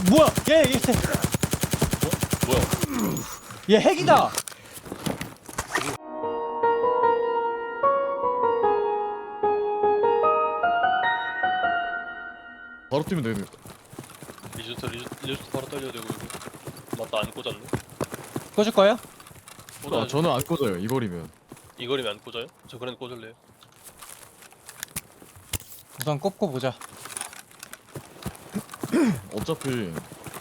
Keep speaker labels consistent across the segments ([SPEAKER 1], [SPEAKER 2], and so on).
[SPEAKER 1] 뭐야? 얘
[SPEAKER 2] 뭐야?
[SPEAKER 1] 얘 핵이다.
[SPEAKER 3] 바로 뛰면 되네.
[SPEAKER 2] 리조트 바로 떨려야 되고 이거. 맞다, 안 꽂았네.
[SPEAKER 1] 꽂을 거예요?
[SPEAKER 3] 아, 저는 안 꽂아요. 이 거리면.
[SPEAKER 2] 이 거리면 안 꽂아요? 저 그래도 꽂을래요.
[SPEAKER 1] 우선 꼽고 보자.
[SPEAKER 3] 어차피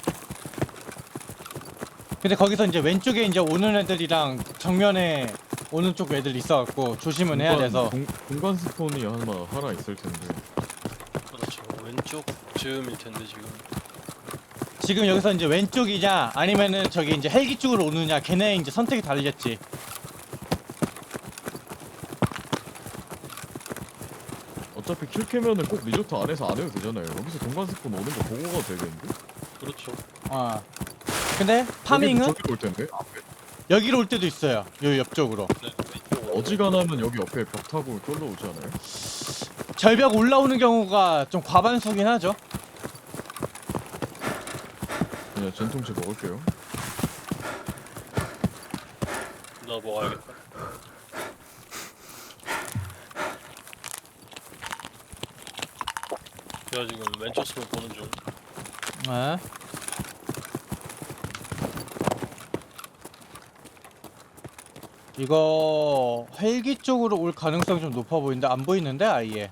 [SPEAKER 1] 근데 거기서 이제 왼쪽에 이제 오는 애들이랑 정면에 오는 쪽 애들 있어갖고 조심은 해야 돼서.
[SPEAKER 3] 공간 스톤이 하나 있을 텐데.
[SPEAKER 2] 그렇죠. 왼쪽 즈음일 텐데
[SPEAKER 1] 지금 여기서 이제 왼쪽이냐 아니면은 저기 이제 헬기 쪽으로 오느냐 걔네 이제 선택이 다르겠지.
[SPEAKER 3] 어차피 킬 캐면은 꼭 리조트 안에서 안 해도 되잖아요. 여기서 공간 스톤 오는 거 보고 가도 되겠는데?
[SPEAKER 2] 그렇죠.
[SPEAKER 1] 어. 근데 파밍은
[SPEAKER 3] 저기로 올 텐데? 앞에.
[SPEAKER 1] 여기로 올 때도 있어요. 요 옆쪽으로.
[SPEAKER 2] 네, 왼쪽
[SPEAKER 3] 어지간하면 여기 옆에 벽 타고 쫄러 오지 않아요?
[SPEAKER 1] 절벽 올라오는 경우가 좀 과반수긴 하죠.
[SPEAKER 3] 그냥 전통치 먹을게요.
[SPEAKER 2] 나 먹어야겠다. 내가 지금 왼쪽 스폰 보는 중.
[SPEAKER 1] 네. 이거 헬기 쪽으로 올 가능성이 좀 높아 보이는데 안 보이는데 아예.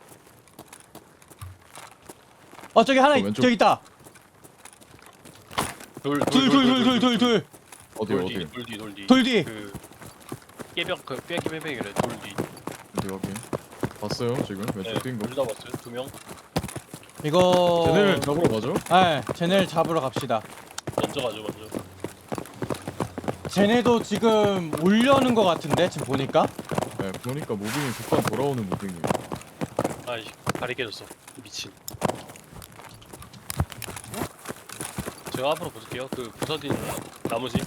[SPEAKER 1] 저기 하나
[SPEAKER 3] 왼쪽.
[SPEAKER 1] 저기 있다.
[SPEAKER 2] 돌
[SPEAKER 1] 둘.
[SPEAKER 3] 어디?
[SPEAKER 1] 돌 뒤.
[SPEAKER 2] 그 깨벽 그 빼기래 돌 뒤.
[SPEAKER 3] 어디? 봤어요 지금 왼쪽 뛴 거.
[SPEAKER 2] 둘 다 봤어요. 두 명.
[SPEAKER 1] 이거
[SPEAKER 3] 쟤네를 잡으러 가죠?
[SPEAKER 1] 네, 쟤네를 잡으러 갑시다.
[SPEAKER 2] 먼저 가죠 먼저.
[SPEAKER 1] 쟤네도 지금 올려는 것 같은데 지금 보니까.
[SPEAKER 3] 네, 보니까 무빙이 급한 돌아오는 무빙이.
[SPEAKER 2] 아이 다리 깨졌어. 미친. 제가 앞으로 볼게요. 그 부서진 나무집.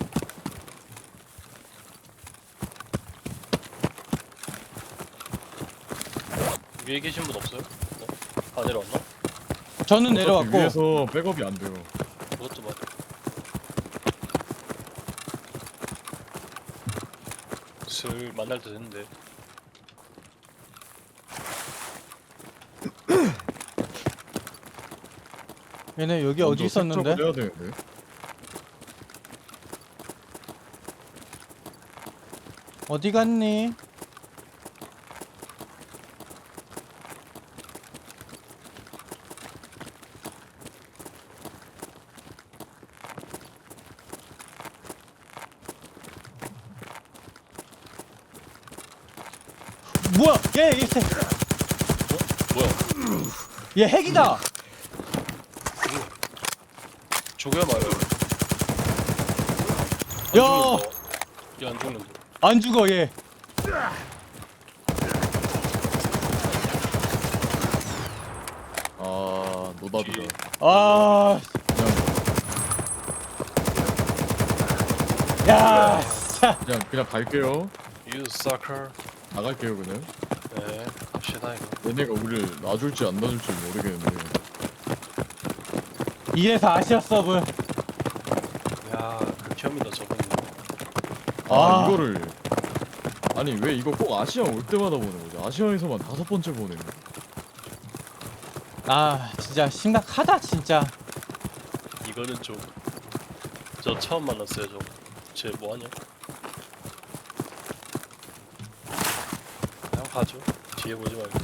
[SPEAKER 2] 위에 계신 분 없어요? 다 내려왔나?
[SPEAKER 1] 저는
[SPEAKER 3] 어차피
[SPEAKER 1] 내려왔고
[SPEAKER 3] 위에서 백업이 안 돼요.
[SPEAKER 2] 그것도 맞아. 슬 만날 때 됐는데.
[SPEAKER 1] 얘네 여기 어디
[SPEAKER 3] 먼저
[SPEAKER 1] 있었는데?
[SPEAKER 3] 세척을 해야 되는데.
[SPEAKER 1] 어디 갔니? 뭐야?
[SPEAKER 2] 뭐야?
[SPEAKER 1] 얘 핵이다.
[SPEAKER 2] 죽어야 말이야.
[SPEAKER 1] 야,
[SPEAKER 2] 얘안 죽는데.
[SPEAKER 1] 안 죽어 얘.
[SPEAKER 3] 아 노답이다.
[SPEAKER 2] 뒤에.
[SPEAKER 1] 아, 야, 진짜.
[SPEAKER 3] 그냥 갈게요.
[SPEAKER 2] You sucker.
[SPEAKER 3] 나갈게요 그냥.
[SPEAKER 2] 네, 갑시다 이거.
[SPEAKER 3] 얘네가 우리를 놔줄지 안 놔줄지 모르겠는데.
[SPEAKER 1] 이래서 아시아 서브.
[SPEAKER 2] 야, 극혐이다 저분.
[SPEAKER 1] 아.
[SPEAKER 3] 이거를 아니 왜 이거 꼭 아시아 올 때마다 보는 거지? 아시아에서만 5번째 보네.
[SPEAKER 1] 아, 진짜 심각하다 진짜.
[SPEAKER 2] 이거는 좀. 저 처음 만났어요 저. 쟤 뭐하냐? 그냥 가죠. 뒤에 보지 말고.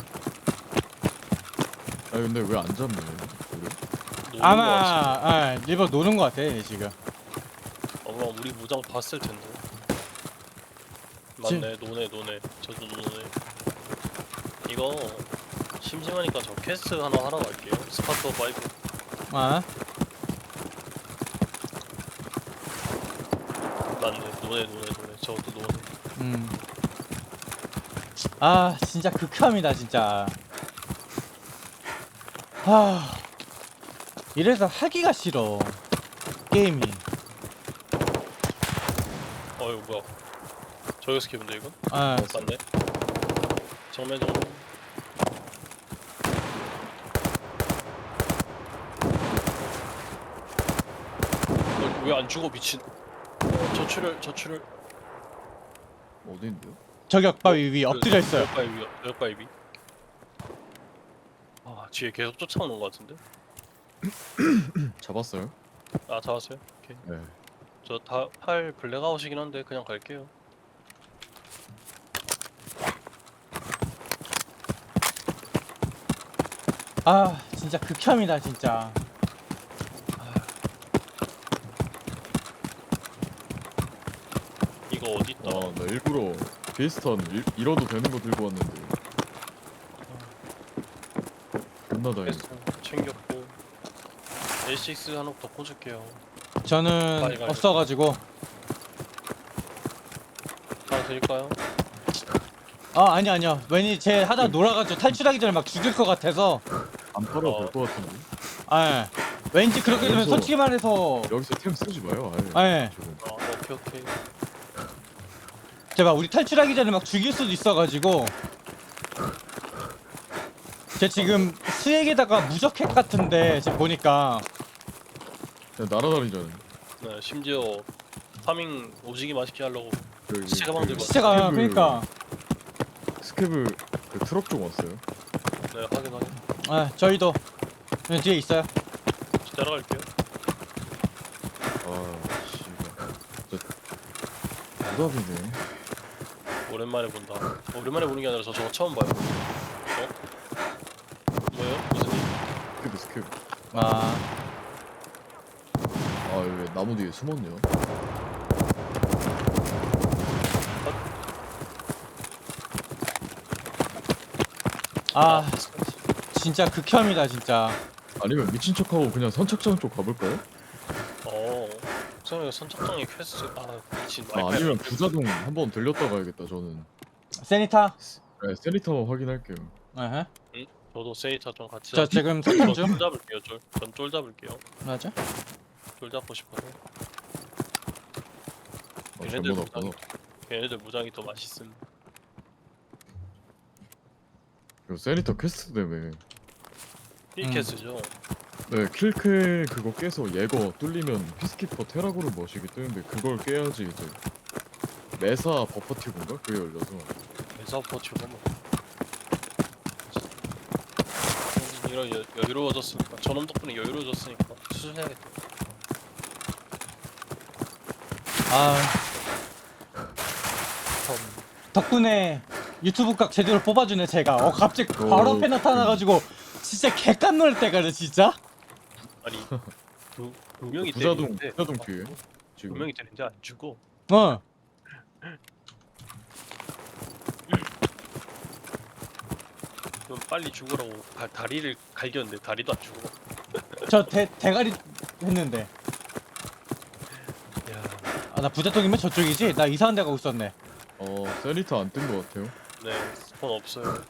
[SPEAKER 3] 아 근데 왜 안 잡네? 그래?
[SPEAKER 2] 노는 거 같지?
[SPEAKER 1] 아마 일부러 노는 것 같아 얘 지금.
[SPEAKER 2] 아마 우리 무장 봤을 텐데. 맞네, 노네. 저도 노네. 이거 심심하니까 저 퀘스트 하나 하러 갈게요. 스파터 5.
[SPEAKER 1] 아,
[SPEAKER 2] 맞네, 노네. 저것도 노네.
[SPEAKER 1] 아 진짜 극혐이다 진짜. 아, 이래서 하기가 싫어 게임이.
[SPEAKER 2] 이거 뭐야? 저기서 키운데 이거?
[SPEAKER 1] 아,
[SPEAKER 2] 맞네. 정면 정면. 왜 안 죽어 미친. 저출혈.
[SPEAKER 3] 어디인데요?
[SPEAKER 1] 저격바위 위 엎드려 있어요.
[SPEAKER 2] 저격바위 위. 아 뒤에 계속 쫓아오는 것 같은데.
[SPEAKER 3] 잡았어요?
[SPEAKER 2] 아 잡았어요? 오케이.
[SPEAKER 3] 네.
[SPEAKER 2] 저 다 팔 블랙아웃이긴 한데 그냥 갈게요.
[SPEAKER 1] 아 진짜 극혐이다 진짜.
[SPEAKER 2] 이거 어디 있다?
[SPEAKER 3] 나 일부러 비슷한 잃어도 되는 거 들고 왔는데. 겁나 다행이다.
[SPEAKER 2] 패스 챙겼고 L6 하나 더 꽂을게요.
[SPEAKER 1] 저는
[SPEAKER 2] 빨리
[SPEAKER 1] 없어가지고.
[SPEAKER 2] 하나 드릴까요?
[SPEAKER 1] 아 아니요. 왠지 쟤 하다 놀아가지고 탈출하기 전에 막 죽일 것 같아서.
[SPEAKER 3] 안 팔아도 될 것 같은데.
[SPEAKER 1] 아 왠지 그렇게 되면
[SPEAKER 3] 여기서-
[SPEAKER 1] 솔직히 말해서.
[SPEAKER 3] 여기서 템 쓰지 마요. 아예.
[SPEAKER 1] 예.
[SPEAKER 3] 지금.
[SPEAKER 2] 오케이.
[SPEAKER 1] 제가 우리 탈출하기 전에 막 죽일 수도 있어가지고. 쟤 지금 수액에다가 무적핵 같은데 지금 보니까.
[SPEAKER 3] 그냥 날아다니잖아요.
[SPEAKER 2] 네 심지어 파밍 오지게 맛있게 하려고
[SPEAKER 3] 그,
[SPEAKER 2] 시체가 만들고
[SPEAKER 1] 시체가 그러니까.
[SPEAKER 3] 스케브 그 트럭 좀 왔어요.
[SPEAKER 2] 네 확인.
[SPEAKER 1] 아 저희도 뒤에 있어요.
[SPEAKER 2] 따라갈게요.
[SPEAKER 3] 아, 씨발. 진짜 부담이네.
[SPEAKER 2] 오랜만에 본다. 오랜만에 보는 게 아니라 저거 처음 봐요. 뭐예요? 무슨 일?
[SPEAKER 3] 스케브.
[SPEAKER 1] 아
[SPEAKER 3] 왜 나무 뒤에 숨었냐?
[SPEAKER 1] 아, 진짜 극혐이다 진짜.
[SPEAKER 3] 아니면 미친 척하고 그냥 선착장 쪽 가볼까요?
[SPEAKER 2] 성형이 선착장의 퀘스트 미친
[SPEAKER 3] 아니면 부자동 한번 들렸다 가야겠다. 저는.
[SPEAKER 1] 세니타.
[SPEAKER 3] 네, 세리터 확인할게요.
[SPEAKER 1] 에헤.
[SPEAKER 2] 저도 세이타 좀 같이
[SPEAKER 1] 저 지금 설정 중.
[SPEAKER 2] 쫄 잡을게요. 쫄 잡을게요.
[SPEAKER 1] 맞아.
[SPEAKER 2] 쫄 잡고 싶어서.
[SPEAKER 3] 잘못 왔구나.
[SPEAKER 2] 걔네들 무장이 더 맛있음.
[SPEAKER 3] 이거 세리터 퀘스트 때문에.
[SPEAKER 2] 힐캐스죠.
[SPEAKER 3] 네, 킬캐 그거 깨서 예거 뚫리면 피스키퍼 테라고르 머시기 뜨는데 그걸 깨야지 이제 메사 버퍼티브인가? 그게 열려서.
[SPEAKER 2] 에서포츠가 뭐. 이런 여유로워졌으니까 저놈 덕분에 여유로워졌으니까 수술해야겠다.
[SPEAKER 1] 아 덕분에 유튜브 각 제대로 뽑아주네 제가. 갑자기 바로 앞에 나타나가지고 진짜 개깜놀 때가 진짜.
[SPEAKER 2] 아니 두 명이
[SPEAKER 3] 부자동
[SPEAKER 2] 때리는데
[SPEAKER 3] 뒤에
[SPEAKER 2] 두
[SPEAKER 3] 지금.
[SPEAKER 2] 명이 때리는데 안 죽어.
[SPEAKER 1] 어.
[SPEAKER 2] 그럼 빨리 죽으라고 다리를 갈겼는데 다리도 안 죽어.
[SPEAKER 1] 저 대가리 했는데.
[SPEAKER 2] 야,
[SPEAKER 1] 아 나 부자통이면 저쪽이지? 나 이상한 데 가고 있었네.
[SPEAKER 3] 세리터 안 뜬 것 같아요.
[SPEAKER 2] 네 스폰 없어요.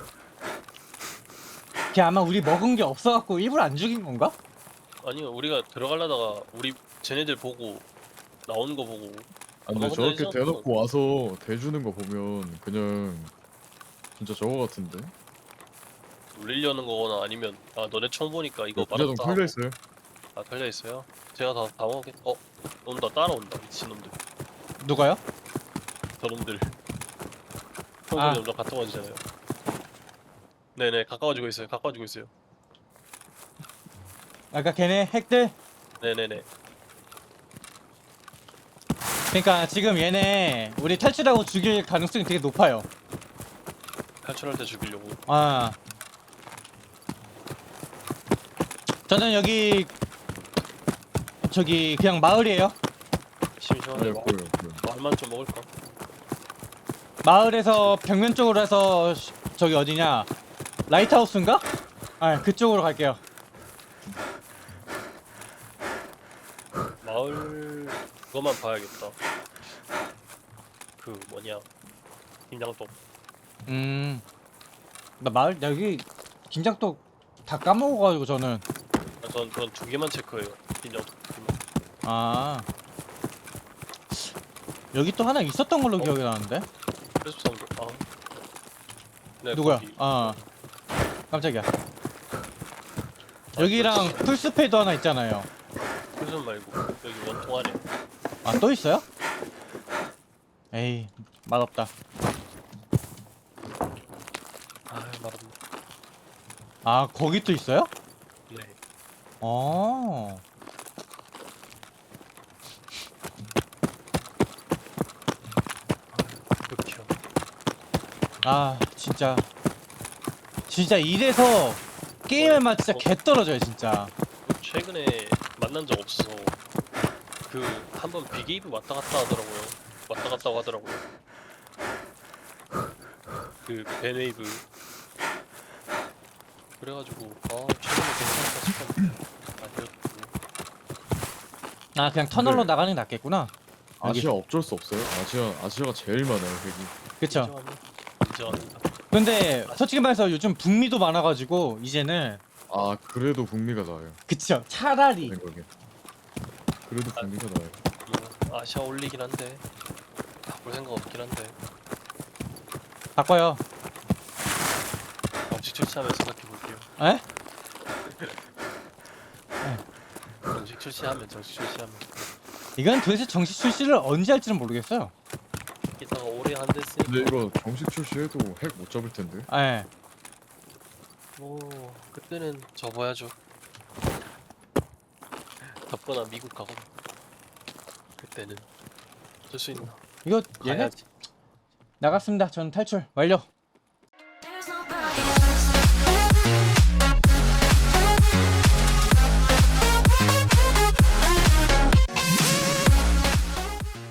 [SPEAKER 1] 걔 아마 우리 먹은 게 없어갖고 일부러 안 죽인 건가?
[SPEAKER 2] 아니요 우리가 들어가려다가 우리 쟤네들 보고 나오는 거 보고
[SPEAKER 3] 아, 근데
[SPEAKER 2] 근데
[SPEAKER 3] 저렇게
[SPEAKER 2] 예전-
[SPEAKER 3] 대놓고 와서 대주는 거 보면 그냥 진짜 저거 같은데?
[SPEAKER 2] 울리려는 거거나 아니면 너네 처음 보니까 이거
[SPEAKER 3] 부자동
[SPEAKER 2] 말았다
[SPEAKER 3] 털려
[SPEAKER 2] 하고.
[SPEAKER 3] 있어요.
[SPEAKER 2] 털려 있어요? 제가 다 먹겠. 온다 따라온다 미친놈들.
[SPEAKER 1] 누가요?
[SPEAKER 2] 저놈들.
[SPEAKER 1] 아.
[SPEAKER 2] 평소에 점점 가까워지잖아요. 네네 가까워지고 있어요.
[SPEAKER 1] 아까 걔네 핵들?
[SPEAKER 2] 네네네.
[SPEAKER 1] 그러니까 지금 얘네 우리 탈출하고 죽일 가능성이 되게 높아요.
[SPEAKER 2] 탈출할 때 죽이려고.
[SPEAKER 1] 아. 저는 여기 저기 그냥 마을이에요.
[SPEAKER 2] 심심한데
[SPEAKER 3] 보여요.
[SPEAKER 2] 말만 좀 먹을까?
[SPEAKER 1] 마을에서 벽면 쪽으로 해서 저기 어디냐? 라이트하우스인가? 아, 그쪽으로 갈게요.
[SPEAKER 2] 마을 그거만 봐야겠다. 그 뭐냐 김장떡.
[SPEAKER 1] 나 마을 여기 김장떡 다 까먹어가지고 저는.
[SPEAKER 2] 전 그런 두 개만 체크해요. 김장떡.
[SPEAKER 1] 아. 여기 또 하나 있었던 걸로 기억이 나는데.
[SPEAKER 2] 그래서 산 거. 네,
[SPEAKER 1] 누구야?
[SPEAKER 2] 거기.
[SPEAKER 1] 아. 깜짝이야. 여기랑 풀스페이도 하나 있잖아요.
[SPEAKER 2] 표준 말고 여기 원통 안에.
[SPEAKER 1] 아, 또 있어요? 에이, 맛없다.
[SPEAKER 2] 아 말없네.
[SPEAKER 1] 아, 거기 또 있어요?
[SPEAKER 2] 네.
[SPEAKER 1] 어.
[SPEAKER 2] 그렇죠.
[SPEAKER 1] 아, 진짜 이래서 게임의 맛 진짜 개 떨어져요, 진짜.
[SPEAKER 2] 최근에 만난 적 없어서 그 한번 비게이브 왔다 갔다 하더라고요. 왔다 갔다 하더라고요. 그 베네이브. 그래가지고 최근에 괜찮다 싶었는데 아니었고.
[SPEAKER 1] 아, 그냥 터널로
[SPEAKER 3] 네.
[SPEAKER 1] 나가는 게 낫겠구나. 여기.
[SPEAKER 3] 아시아 어쩔 수 없어요. 아시아가 제일 많아요. 여기.
[SPEAKER 1] 그쵸.
[SPEAKER 2] 인정합니다.
[SPEAKER 1] 근데 솔직히 말해서 요즘 북미도 많아가지고 이제는
[SPEAKER 3] 아 그래도 북미가 나아요.
[SPEAKER 1] 그쵸. 차라리
[SPEAKER 3] 생각에. 그래도 북미가 나아요.
[SPEAKER 2] 뭐 아시아 올리긴 한데 바꿀 생각 없긴 한데
[SPEAKER 1] 바꿔요.
[SPEAKER 2] 정식 출시하면 생각해 볼게요.
[SPEAKER 1] 에?
[SPEAKER 2] 정식 출시하면
[SPEAKER 1] 이건 도대체 정식 출시를 언제 할지는 모르겠어요.
[SPEAKER 2] 기사가 오래 안 됐으니까
[SPEAKER 3] 근데 이거 정식 출시해도 핵 못 잡을 텐데.
[SPEAKER 1] 예.
[SPEAKER 2] 뭐 그때는 접어야죠. 덥거나 미국 가고 그때는 어쩔 수 있나.
[SPEAKER 1] 이거 얘네
[SPEAKER 2] 가야지.
[SPEAKER 1] 나갔습니다. 저는 탈출 완료.